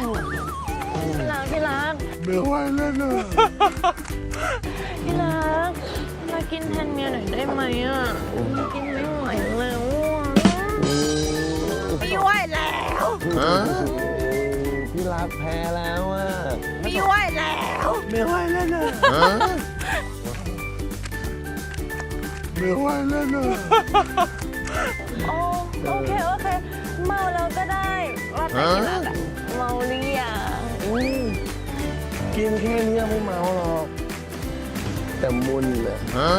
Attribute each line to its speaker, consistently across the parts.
Speaker 1: ที่รัก
Speaker 2: ไม่ไหวแล้วนะ
Speaker 1: ที่รักมากินแทนเมียหน่อยได้ไหมอ่ะกินไม่ไหวแล้วไม่ไหวแล้ว
Speaker 2: พี่รักแพ้แล้วอ่ะ
Speaker 1: ไม่ไหวแล้ว
Speaker 2: ไม่ไหวแล้วนะไม่ไหวแล้วนะ
Speaker 1: โอเคเมาแล้วก็ได้ว่าแต่ที่รักอะเมาหรือยัง
Speaker 2: กินแค่นี้ไม่เมาหรอกแต่มุนอ่ะ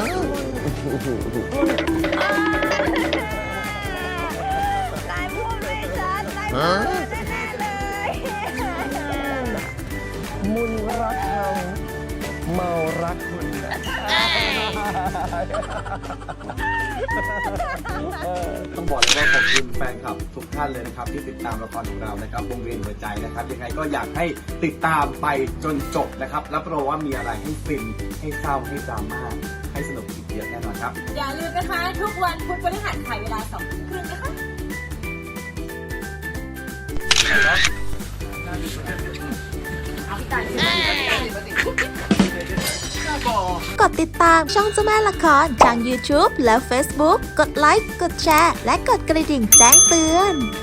Speaker 1: นายพูดไม่ชัดนายพูดแน่ๆเลย
Speaker 2: มุนรักเขาเมารักคุณ
Speaker 3: ต้องบอกเลยว่าขอบคุณแฟนคลับทุกท่านเลยนะครับที่ติดตามละครของเรานะครับวงเวียนหัวใจนะครับยังไงก็อยากให้ติดตามไปจนจบนะครับรับรองว่ามีอะไรให้ฟินให้เศร้าให้ดราม่าให้สนุกอีกเยอะแน่นอนครับ
Speaker 4: อย่าลืมนะคะทุกวันพุธพฤหัสถ่ายเวลา2 ทุ่มครึ่งนะคะ
Speaker 5: กดติดตามช่องเจ้าแม่ละครทาง YouTube และ Facebook กดไลค์ กดแชร์ และกดกระดิ่งแจ้งเตือน